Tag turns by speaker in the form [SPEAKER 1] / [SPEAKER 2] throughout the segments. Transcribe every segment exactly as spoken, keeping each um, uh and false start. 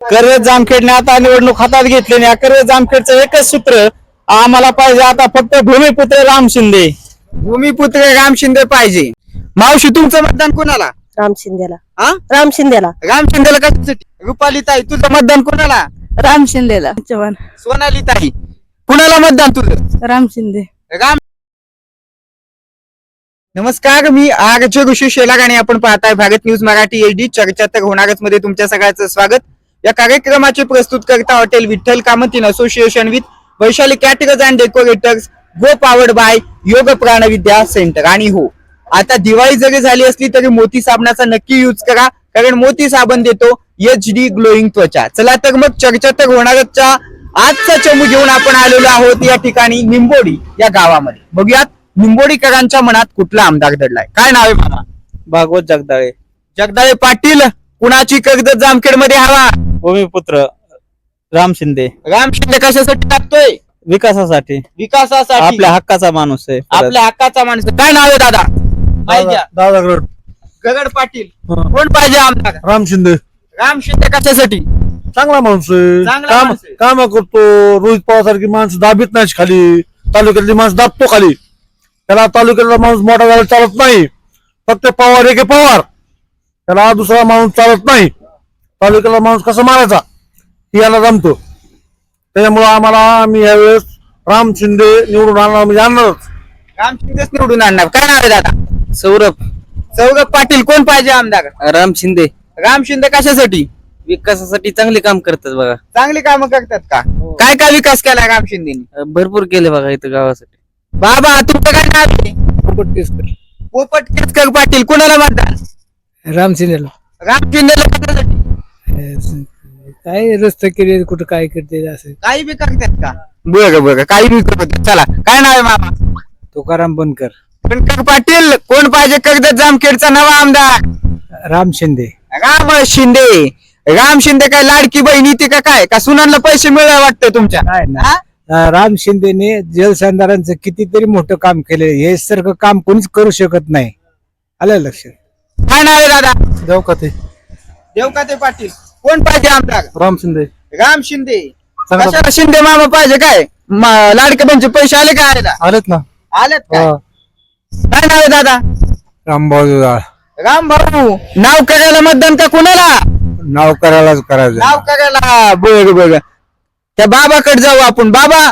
[SPEAKER 1] कर्जत जामखेडने आता निवडणूक हातात घेतली आणि कर्जत जामखेडचं एकच सूत्र आम्हाला पाहिजे आता फक्त भूमिपुत्र राम शिंदे.
[SPEAKER 2] भूमिपुत्र राम शिंदे पाहिजे. मावशी तुमचं मतदान कोणाला?
[SPEAKER 3] राम शिंदेला.
[SPEAKER 2] हा
[SPEAKER 3] राम शिंदेला.
[SPEAKER 2] राम शिंदेला कशासाठी? रुपाली ताई तुझं मतदान कोणाला?
[SPEAKER 3] राम शिंदेला. चव्हाण.
[SPEAKER 2] सोनाली ताई कुणाला मतदान तुझं?
[SPEAKER 3] राम शिंदे.
[SPEAKER 2] राम. नमस्कार, मी आरचे ऋषी शेलार आणि आपण पाहताय Bharat news Marathi H D. चर्चा तर होणारच मध्ये तुमच्या सगळ्यांचं स्वागत. या कार्यक्रमाचे प्रस्तुत करता hotel Vitthal Kamat in association with Vaishali caterers and decorators, co-powered by Yog Pranvidya centre. आणि हो, आता दिवाळी जरी झाली असली तरी मोती साबणाचा नक्की यूज करा, कारण मोती साबण देतो एच डी ग्लोईंग त्वचा. चला तर मग चर्चा तर होणारच्या आजचा चमू घेऊन आपण आलेलो आहोत या ठिकाणी निंबोडी या गावामध्ये. बघूयात निंबोडीकरांच्या मनात कुठला आमदार दडलाय. काय नाव आहे मामा?
[SPEAKER 1] भागवत जगदाळे.
[SPEAKER 2] जगदाळे पाटील. कुणाची कर्जत जामखेड मध्ये हवा?
[SPEAKER 1] भूमिपुत्र राम शिंदे.
[SPEAKER 2] राम शिंदे कशासाठी टाकतोय?
[SPEAKER 1] विकासासाठी,
[SPEAKER 2] विकासासाठी.
[SPEAKER 1] आपल्या हक्काचा माणूस आहे.
[SPEAKER 2] आपल्या हक्काचा माणूस. काय नाव आहे दादा? माहिती आहे?
[SPEAKER 4] दादा गड
[SPEAKER 2] गगड पाटील. कोण पाहिजे आमदार?
[SPEAKER 4] राम शिंदे.
[SPEAKER 2] राम शिंदे कशासाठी?
[SPEAKER 4] चांगला माणूस आहे.
[SPEAKER 2] चांगला
[SPEAKER 4] काम
[SPEAKER 2] माणूस आहे.
[SPEAKER 4] काम करतो. रोहित पवार सारखी माणसं दाबीत नाही खाली. तालुक्यातली माणसं दाबतो खाली. त्याला तालुक्यातला माणूस मोठा झाला चालत नाही. फक्त पवार एके पवार, त्याला दुसरा माणूस चालत नाही. तालुक्याला माणूस कसा मारायचा हे याला जमतो. त्याच्यामुळे आम्हाला आम्ही यावेळेस राम शिंदे निवडून आणणार म्हणजे आणणारच.
[SPEAKER 2] राम शिंदेच निवडून आणणार. काय नाव आहे दादा?
[SPEAKER 1] सौरभ.
[SPEAKER 2] सौरभ पाटील. कोण पाहिजे आमदार?
[SPEAKER 1] राम शिंदे.
[SPEAKER 2] राम शिंदे कशासाठी?
[SPEAKER 1] विकासासाठी चांगले काम करतात बघा.
[SPEAKER 2] चांगली कामं करतात का? काय काय विकास केला राम शिंदेनी?
[SPEAKER 1] भरपूर केले बघा इथं गावासाठी.
[SPEAKER 2] बाबा तुमचं काय नाव आहे? पोपट केसकर पाटील. कुणाला मतदान?
[SPEAKER 5] राम शिंदेला.
[SPEAKER 2] राम शिंदेला कशासाठी?
[SPEAKER 5] काय रस्ते केले कुठं काय करते असं.
[SPEAKER 2] काही बी करतात का? बरं बरं, काही बी करतात. चला, काय नाव आहे मामा?
[SPEAKER 5] तुकाराम बनकर.
[SPEAKER 2] बनकर पाटील. कोण पाहिजे कर्जत जामखेडचा नवा आमदार?
[SPEAKER 5] राम शिंदे.
[SPEAKER 2] राम शिंदे. राम शिंदे काय लाडकी बहिणी ती का काय? का सुनांना पैसे मिळाले वाटतं तुमच्या?
[SPEAKER 5] काय ना.
[SPEAKER 2] हा?
[SPEAKER 5] अं, राम शिंदेने जलसंधारांचं कितीतरी मोठं काम केले. हे सारखं काम कोणीच करू शकत नाही. आलं लक्षात.
[SPEAKER 2] काय नाव आहे दादा?
[SPEAKER 4] देवकाते.
[SPEAKER 2] देवकाते पाटील. कोण पाहिजे आमदार?
[SPEAKER 4] राम शिंदे.
[SPEAKER 2] राम शिंदे.
[SPEAKER 4] चांगला-
[SPEAKER 2] कशाला शिंदे मामा पाहिजे काय? म- लाडके बहिणीचे पैसे आले का? आले
[SPEAKER 4] आलेत ना.
[SPEAKER 2] आलेत का? काय नाव आहे दादा?
[SPEAKER 5] रामभाऊ
[SPEAKER 2] राम भाऊ. नाव करायला मतदान का कुणाला?
[SPEAKER 5] नाव करायलाच करायचं.
[SPEAKER 2] नाव करायला. बघ बघ, त्या बाबाकडे जाऊ आपण. बाबा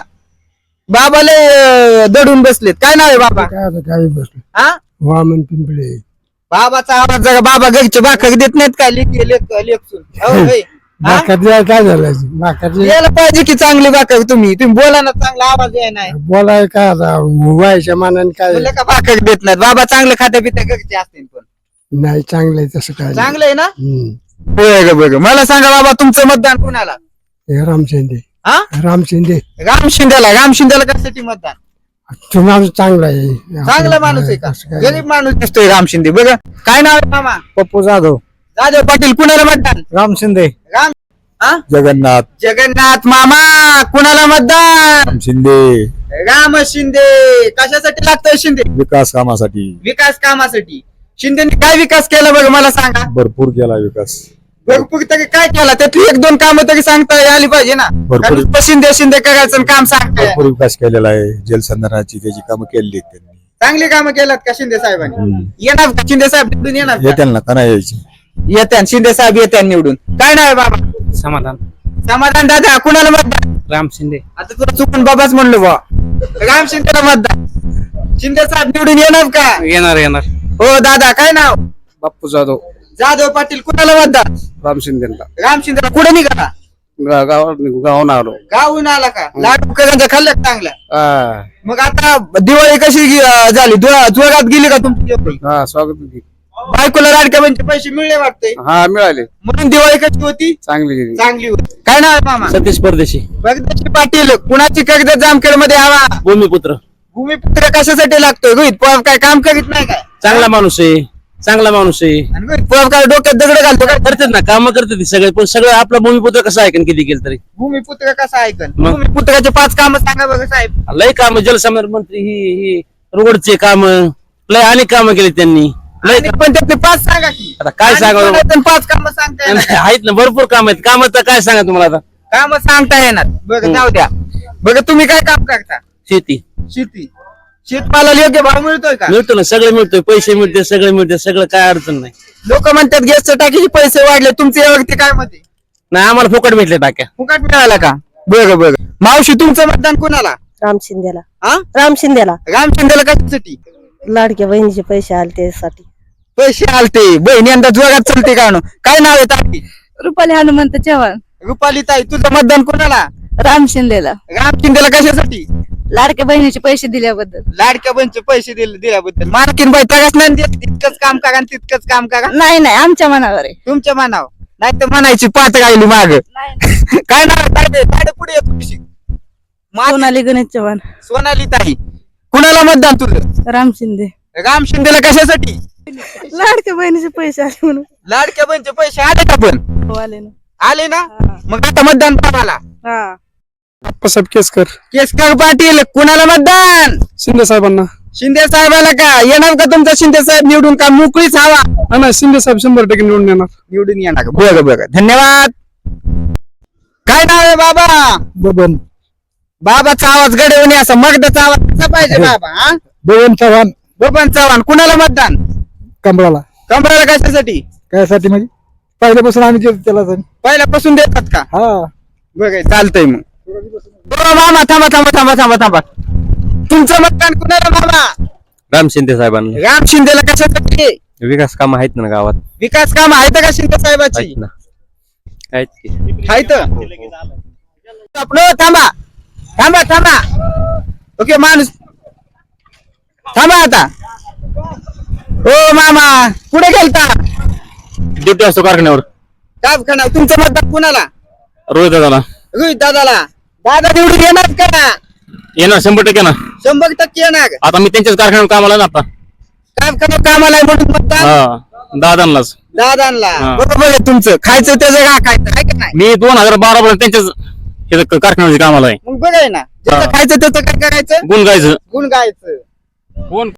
[SPEAKER 2] बाबाले अं, दडून बसलेत. काय नाव आहे बाबा?
[SPEAKER 5] काय बसलो
[SPEAKER 2] हा?
[SPEAKER 5] वामन पिंपळे.
[SPEAKER 2] बाबाचा आवाज जरा. बाबा घरचे भाकर देत नाहीत का? लेख लेख लेखसून. हो, होय. हा?
[SPEAKER 5] भाकरला काय झालं भाकरला
[SPEAKER 2] यायला पाहिजे की चांगली भाकर. तुम्ही तुम्ही बोला ना, चांगला आवाज आहे नाही.
[SPEAKER 5] बोलाय काय आता व्हायच्या मानाने काय
[SPEAKER 2] बोलले का भाकर देत नाहीत? बाबा चांगलं खात्या पित्या घरचे असतील पण.
[SPEAKER 5] नाही चांगलंय तसं काय
[SPEAKER 2] चांगलं आहे ना?
[SPEAKER 5] हम्म.
[SPEAKER 2] बघ बघ, मला सांगा बाबा तुमचं मतदान कुणाला?
[SPEAKER 5] हे राम शिंदे.
[SPEAKER 2] हा?
[SPEAKER 5] राम शिंदे.
[SPEAKER 2] राम शिंदेला. राम शिंदेला कशासाठी मतदान?
[SPEAKER 5] तो माणूस चांगला आहे.
[SPEAKER 2] चांगला माणूस आहे का?
[SPEAKER 5] असं काय
[SPEAKER 2] गरीब माणूस दिसतोय राम शिंदे. बघा, काय नाव आहे मामा?
[SPEAKER 5] पप्पू जाधव.
[SPEAKER 2] जाधव पाटील. कुणाला मतदान?
[SPEAKER 5] राम शिंदे.
[SPEAKER 2] राम. हा?
[SPEAKER 4] जगन्नाथ.
[SPEAKER 2] जगन्नाथ मामा. कुणाला मतदान?
[SPEAKER 4] राम शिंदे.
[SPEAKER 2] राम शिंदे. कशासाठी लागतोय शिंदे?
[SPEAKER 4] विकास कामासाठी
[SPEAKER 2] विकास कामासाठी. शिंदेनी काय विकास केला बघ मला सांगा.
[SPEAKER 4] भरपूर केला विकास.
[SPEAKER 2] भरपूर तरी काय केला? त्यातली एक दोन कामं तरी सांगता आली पाहिजे ना.
[SPEAKER 4] भरपूर.
[SPEAKER 2] कारण नुसतं शिंदे शिंदे करायचं आणि काम सांगताय.
[SPEAKER 4] भरपूर विकास केलेला आहे. जलसंधारणाची त्याची कामं केलेली आहेत त्यांनी.
[SPEAKER 2] चांगली कामं केलात का शिंदे साहेबांनी? येणार का शिंदे साहेब निवडून? येणार का?
[SPEAKER 4] येत्याल ना का नाही यायची?
[SPEAKER 2] येत्या शिंदे साहेब येत्या निवडून. काय नाव आहे बाबा?
[SPEAKER 5] समाधान.
[SPEAKER 2] समाधान दादा. कुणाला मतदान?
[SPEAKER 5] राम शिंदे.
[SPEAKER 2] आता तुला चुकून बाबाच म्हणलो बा. राम शिंदेला मतदान. शिंदे साहेब निवडून येणार का?
[SPEAKER 5] येणार येणार.
[SPEAKER 2] हो दादा. काय नाव?
[SPEAKER 5] बाप्पू जाधव.
[SPEAKER 2] जाधव पाटील. कुणाला मतदान?
[SPEAKER 5] राम शिंदेला.
[SPEAKER 2] राम शिंदेला. कुठे निघाला?
[SPEAKER 5] गावात गावून आलो.
[SPEAKER 2] गावून आला का? लाडू करांच्या खाल्ल्यात चांगल्या. मग आता दिवाळी कशी गे- झाली? जो- जोरात गेली का तुमची दिवाळी?
[SPEAKER 5] हा स्वागत.
[SPEAKER 2] बायकोला लाडक्या बहिणीचे पैसे मिळले वाटते,
[SPEAKER 5] हा मिळाले.
[SPEAKER 2] म्हणून दिवाळी कशी होती?
[SPEAKER 5] चांगली.
[SPEAKER 2] चांगली होती. काय नाव आहे मामा?
[SPEAKER 1] सतीश परदेशी.
[SPEAKER 2] भगदत्त पाटील. कुणाची कर्जत जामखेड मध्ये हवा?
[SPEAKER 1] भूमिपुत्र.
[SPEAKER 2] भूमिपुत्र कशासाठी लागतोय? रोहित पवार काय काम करीत नाही काय?
[SPEAKER 1] चांगला माणूस आहे. चांगला माणूस आहे.
[SPEAKER 2] आणि रोहित पवार काय डोक्यात दगड घालतो काय?
[SPEAKER 1] करतात ना, काम करतात सगळे. पण सगळं आपला भूमिपुत्र कसं ऐकन किती केलं तरी.
[SPEAKER 2] भूमिपुत्र कसा ऐकन?
[SPEAKER 1] मग?
[SPEAKER 2] भूमिपुत्राचे पाच काम सांगा बघा साहेब.
[SPEAKER 1] लय काम. जलसंधारण मंत्री ही ही रोडचे काम लय अनेक कामं केले त्यांनी.
[SPEAKER 2] आणि पण त्यातले पाच सांगा की
[SPEAKER 1] आता काय
[SPEAKER 2] आणि
[SPEAKER 1] सांगावं?
[SPEAKER 2] कोणाचं पाच काम सांगता येणार
[SPEAKER 1] आहेत ना भरपूर काम आहेत कामाचं काय सांगा तुम्हाला आता
[SPEAKER 2] काम सांगता येणार बघ जाऊ द्या बघ तुम्ही काय काम करता
[SPEAKER 1] शेती
[SPEAKER 2] शेती शेतमालाला योग्य भाव मिळतोय का
[SPEAKER 1] मिळतो ना सगळं मिळतोय पैसे मिळते सगळं मिळते सगळं काय अडचण नाही
[SPEAKER 2] लोक म्हणतात गॅसच्या टाकीचे पैसे वाढले तुमचे यावरती काय मत आहे?
[SPEAKER 1] नाही आम्हाला फुकट भेटले टाक्या
[SPEAKER 2] फुकट मिळाला का बरं बरं मावशी तुमचं मतदान कोणाला
[SPEAKER 3] राम शिंदेला
[SPEAKER 2] हा
[SPEAKER 3] राम शिंदेला
[SPEAKER 2] राम शिंदेला कशासाठी
[SPEAKER 3] लाडक्या बहिणीचे पैसे आले त्यासाठी
[SPEAKER 2] पैसे आलते बहिणी यंदा जोरात चलते का नो? काय नाव आहे ताई
[SPEAKER 3] रुपाली हनुमंत चव्हाण
[SPEAKER 2] रुपाली ताई तुझं मतदान कोणाला
[SPEAKER 3] राम शिंदेला
[SPEAKER 2] राम शिंदेला कशासाठी
[SPEAKER 3] लाडक्या बहिणीचे पैसे दिल्याबद्दल
[SPEAKER 2] लाडक्या बंच पैसे दिले दिल्याबद्दल मालकीन बाई तगाच नाही देत तितकंच काम करा आणि तितकंच काम करा
[SPEAKER 3] नाही नाही आमच्या मनावर आहे
[SPEAKER 2] तुमच्या मनावर नाही तर म्हणायची पाच राहिली माग काय नाव आहे ताई ताई पुढे येतो कशी
[SPEAKER 3] सोनाली गणेश चव्हाण
[SPEAKER 2] सोनाली ताई कुणाला मतदान तुझं
[SPEAKER 3] राम शिंदे
[SPEAKER 2] राम शिंदेला कशासाठी
[SPEAKER 3] लाडक्या बहिणीचे पैसे आले म्हणून
[SPEAKER 2] लाडक्या बंच पैसे आले का पण
[SPEAKER 3] हो, आले ना
[SPEAKER 2] आले ना मग आता मतदान कोणाला
[SPEAKER 3] हा
[SPEAKER 5] आप्पासाहेब केसकर
[SPEAKER 2] केसकर पाटील कुणाला मतदान
[SPEAKER 5] शिंदे साहेबांना
[SPEAKER 2] शिंदे साहेबाला का येणार का तुमचा शिंदे साहेब निवडून का मोकळीच हवा
[SPEAKER 5] नाही शिंदे साहेब शंभर टक्के निवडून येणार
[SPEAKER 2] निवडून येणार बघ बघ धन्यवाद काय नाव आहे बाबा
[SPEAKER 5] बबन
[SPEAKER 2] बाबाचा आवाज गडवणी असा मगदाचा आवाज कसा पाहिजे बाबा हा
[SPEAKER 5] बबन चव्हाण
[SPEAKER 2] बबन चव्हाण कुणाला मतदान
[SPEAKER 5] कमळाला
[SPEAKER 2] कमराला कशासाठी
[SPEAKER 5] कायसाठी म्हणजे पहिल्यापासून आम्ही जे त्याला जाण-
[SPEAKER 2] पहिल्यापासून देतात का
[SPEAKER 5] हा
[SPEAKER 2] बघ चालतंय मग हो मामा थांबा थांबा थांबा थांबा थांबा तुमचं मतदान कुणाला मामा
[SPEAKER 1] राम शिंदे साहेबांना
[SPEAKER 2] राम शिंदेला कशासाठी
[SPEAKER 1] विकास काम आहेत ना गावात
[SPEAKER 2] विकास काम आहेत का शिंदे साहेबाची
[SPEAKER 1] ना आहेत की
[SPEAKER 2] आहेत आपलं थांबा थांबा थांबा ओके माणूस थांबा आता ओ मामा पुढे गेलता
[SPEAKER 1] ड्युटी असतो कारखान्यावर
[SPEAKER 2] काय खाना तुमचं मतदान कुणाला
[SPEAKER 1] रोहित दादाला
[SPEAKER 2] रोहित दादाला दादा निवडून येणार का
[SPEAKER 1] येणार शंभर टक्के ना
[SPEAKER 2] शंभर टक्के येणार
[SPEAKER 1] आता मी त्यांच्याच कारखान्यावर कामाला ना आता
[SPEAKER 2] कारखाना कामाला आहे म्हणून मतदान
[SPEAKER 1] हा दादांनाच
[SPEAKER 2] दादांना
[SPEAKER 1] हा.
[SPEAKER 2] बरोबर आहे तुमचं खायचं त्याचं का खायचं आहे का नाही
[SPEAKER 1] मी दोन हजार बारा पर्यंत त्यांच्याच हे कारखान्यामध्ये कामाला आहे
[SPEAKER 2] मग बघाय ना ज्याचं
[SPEAKER 1] हा.
[SPEAKER 2] खायचं त्याचं काय करायचं
[SPEAKER 1] गुण गायचं
[SPEAKER 2] गुण गायचं
[SPEAKER 1] गुण